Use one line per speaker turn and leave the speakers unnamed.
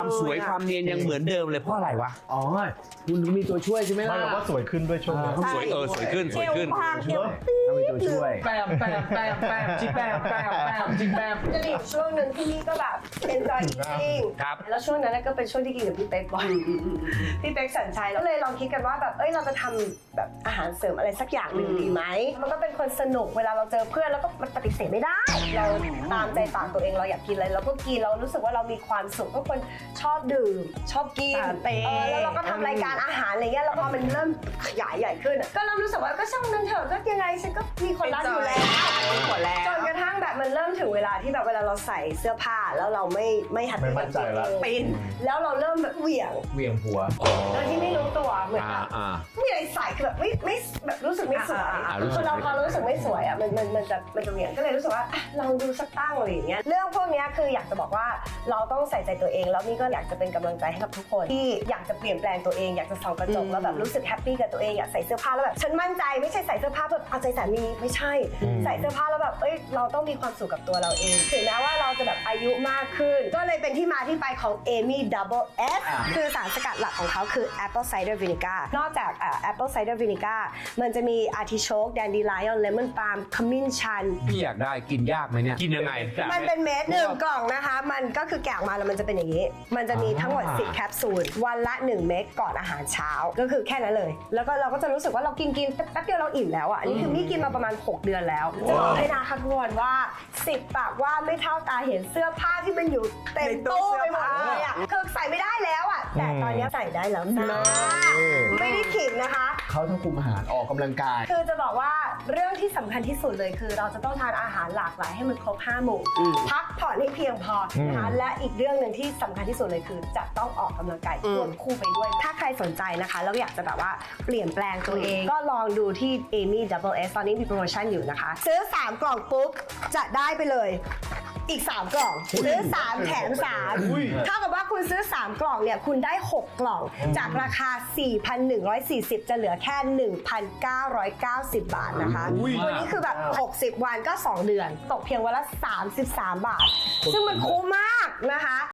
ความสวยความเนียนยังเหมือนเดิมเลยเพราะอะไรวะอ๋อคุณมีตัวช่วยใช่ไหมล่ะ
ไม่บอกว่าสวยขึ้นด้วยช่วงนี้
สวยสวยขึ้นสวยขึ้น
ต้องมีตัวช่วย
แปมจิแปมจิแปม
จะมีช่วงหนึ่งที่นี่ก็แบบเป็นจอยอิง
ครับ
แล้วช่วงนั้นก็เป็นช่วงที่กินกับพี่เป๊กบ่อยพี่เป๊กสัญชัยแล้วเลยลองคิดกันว่าแบบเราจะทำแบบอาหารเสริมอะไรสักอย่างหนึ่งดีไหมมันก็เป็นคนสนุกเวลาเราเจอเพื่อนแล้วก็มันปฏิเสธไม่ได้เราตามใจปากตัวเองเราอยากกินอะไรเราก็กินเรารู้สึกว่าเรามีความสุขก็คนชอบดื่มชอบกินแล้วเราก็ทำรายการอาหารอะไรเงี้ยแล้วพอมันเริ่มขยายใหญ่ขึ้นก็เริ่มรู้สึกว่าก็ช่างมันเถอะก็ยังไงฉันก็มีคนรักอยู่แล้วจนกระทั่งแบบมันเริ่มถึงเวลาที่แบบเวลาเราใส่เสื้อผ้าแล้วเราไม่หัดเป็นตัวเองเป็นแล้วเราเริ่มแบบเหวี่ยงหัวโดยที่ไม่รู้ตัวเหมือนแบบไม่มีอะไรใส่คือแบบไม่แบบรู้สึกไม่สวยคือเราพอรู้สึกไม่สวยอ่ะมันจะเหวี่ยงก็เลยรู้สึกว่าลองดูสักตั้งอะไรอย่างเงี้ยเรื่องพวกนี้คืออยากจะบอกว่าเราต้องใส่ใจตัวเองแล้วนี่ก็อยากจะเป็นกำลังใจให้กับทุกคนที่อยากจะเปลี่ยนแปลงตัวเองอยากจะส่องกระจกแล้วแบบรู้สึกแฮปปี้กับตัวเองอยากใส่เสื้อผ้าแล้วแบบฉันมั่นใจไม่ใช่ใส่เสื้อผ้าแบบเอาใจสามีไม่ใช่ใส่เสื้อผ้าแล้วแบบเราต้องมีความสุขกับตัวเราเองถึงแม้ว่าเราจะแบบอายุมากขึ้นก็เลยเป็นที่มาที่ไปของ Amy Double S คือสารสกัดหลักของเขาคือ Apple Cider Vinegar นอกจาก Apple Cider Vinegar มันจะมี Artichoke Dandelion Lemon Balm ขมิ้นชัน
พี่อยากได้กินยากไหมเนี่ยกินยังไง
มันเป็นเม็ด1 กล่องนะคะมันก็คือแกะออกมาแล้วมันจะเป็นอย่างนี้มันจะมีทั้งหมด10 แคปซูลวันละ1 เม็ดก่อนอาหารเช้าก็คือแค่นั้นเลยแล้วก็เราก็จะรู้สึกว่าเรากินแป๊บเดียวเราอิ่มแล้วอ่ะอันนี้คือมี่กินมาประมาณ6 เดือนแล้วจะบอกให้นะคะทุกคนว่า10 ปากว่าไม่เท่าตาเห็นเสื้อผ้าที่มันอยู่เต็มตู้ไปหมดเลยอ่ะคือใส่ไม่ได้แล้วอ่ะแต่ตอนนี้ใส่ได้แล้วนะไม่ได้ขิงนะคะ
เขาต้องคุมอาหารออกกำลังกาย
คือจะบอกว่าเรื่องที่สำคัญที่สุดเลยคือเราจะต้องทานอาหารหลากหลายให้มันครบ5 หมู่พักผ่อนให้เพียงพอนะคะและอีกเรื่องหนึ่งที่สำคัญที่สุดเลยคือจะต้องออกกำลังกายควบคู่ไปด้วยถ้าใครสนใจนะคะแล้วอยากจะแบบว่าเปลี่ยนแปลงตัวเองก็ลองดูที่ Amy Double S ตอนนี้มีโปรโมชั่นอยู่นะคะซื้อ3 กล่องปุ๊บจะได้ไปเลยอีก3 กล่องซื้อ3 แถม3เท่ากับว่าคุณซื้อ3 กล่องเนี่ยคุณได้ 6 กล่องจากราคา 4,140 จะเหลือแค่ 1,990 บาทนะคะวันนี้คือแบบ60 วันก็2 เดือนตกเพียงวันละ33 บาทซึ่งมันคุ้มมากนะคะ